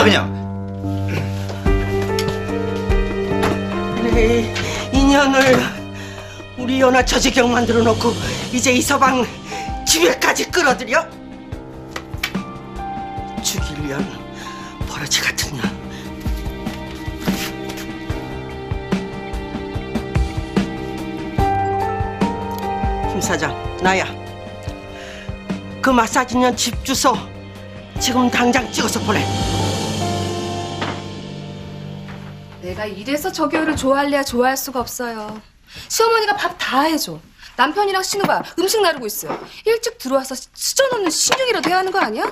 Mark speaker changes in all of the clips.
Speaker 1: 그냥.
Speaker 2: 내 인연을 우리 연하 처지경 만들어 놓고 이제 이 서방 집에까지 끌어들여? 죽일 년, 버러지 같은 년. 김 사장, 나야. 그 마사지년 집 주소 지금 당장 찍어서 보내.
Speaker 3: 내가 이래서 저기요를 좋아할래야 좋아할 수가 없어요. 시어머니가 밥 다 해줘. 남편이랑 신우가 음식 나르고 있어요. 일찍 들어와서 수저 넣는 신용이라도 해야 하는 거 아니야?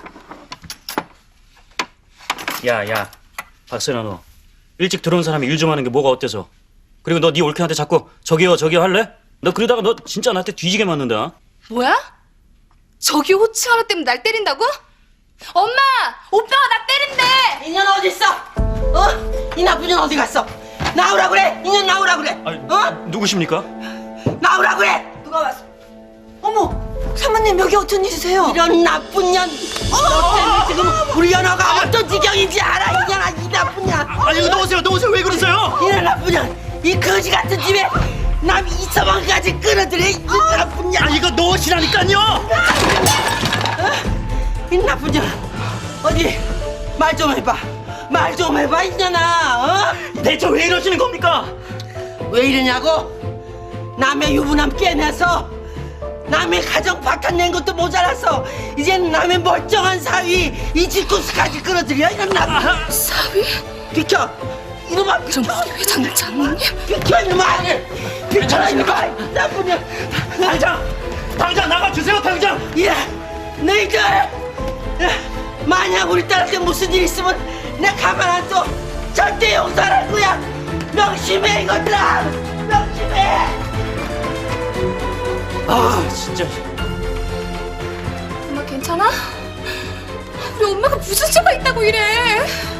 Speaker 4: 야, 박선아 너 일찍 들어온 사람이 일 좀 하는 게 뭐가 어때서? 그리고 너 네 올케한테 자꾸 저기요 할래? 너 그러다가 너 진짜 나한테 뒤지게 맞는다.
Speaker 3: 뭐야? 저기요 호칭 하나 때문에 날 때린다고? 엄마! 오빠가 나 때린대!
Speaker 2: 인연 어디 있어? 어? 이 나쁜 년 어디 갔어? 나오라 그래. 인연 나오라 그래.
Speaker 4: 아니,
Speaker 2: 어?
Speaker 4: 누구십니까?
Speaker 2: 나오라 그래. 누가 왔어? 어머, 사모님 여기 어쩐 일이세요? 이런 나쁜 년. 너 때문에 지금 우리 연어가 어떤 지경인지 알아? 이년아, 이 나쁜 년.
Speaker 1: 아니 놓으세요. 왜 그러세요?
Speaker 2: 이런 나쁜 년. 이 거지 같은 집에 남 이서방까지 끌어들여. 이 나쁜 년.
Speaker 1: 아 이거 놓으시라니까요.
Speaker 2: 이 나쁜 년. 어디 말 좀 해봐. 말 좀 해봐, 이년아. 어?
Speaker 1: 대체 왜 이러시는 겁니까?
Speaker 2: 왜 이러냐고? 남의 유부남 깨내서 남의 가정 박탄낸 것도 모자라서 이젠 남의 멀쩡한 사위 이 집구스까지 끌어들여. 이런 나쁜
Speaker 3: 사위?
Speaker 2: 비켜. 이놈아 비켜.
Speaker 3: 정국이 회장 장모님?
Speaker 2: 비켜 이놈아. 비켜 이놈아. 나쁜 년.
Speaker 1: 당장 나가주세요 당장.
Speaker 2: 예, 너희들 만약 우리 딸한테 무슨 일 있으면 내 가만 안 둬. 절대 용서 안 할 거야. 명심해 이것들아. 명심해.
Speaker 4: 아 진짜.
Speaker 3: 엄마 괜찮아? 우리 엄마가 무슨 죄가 있다고 이래?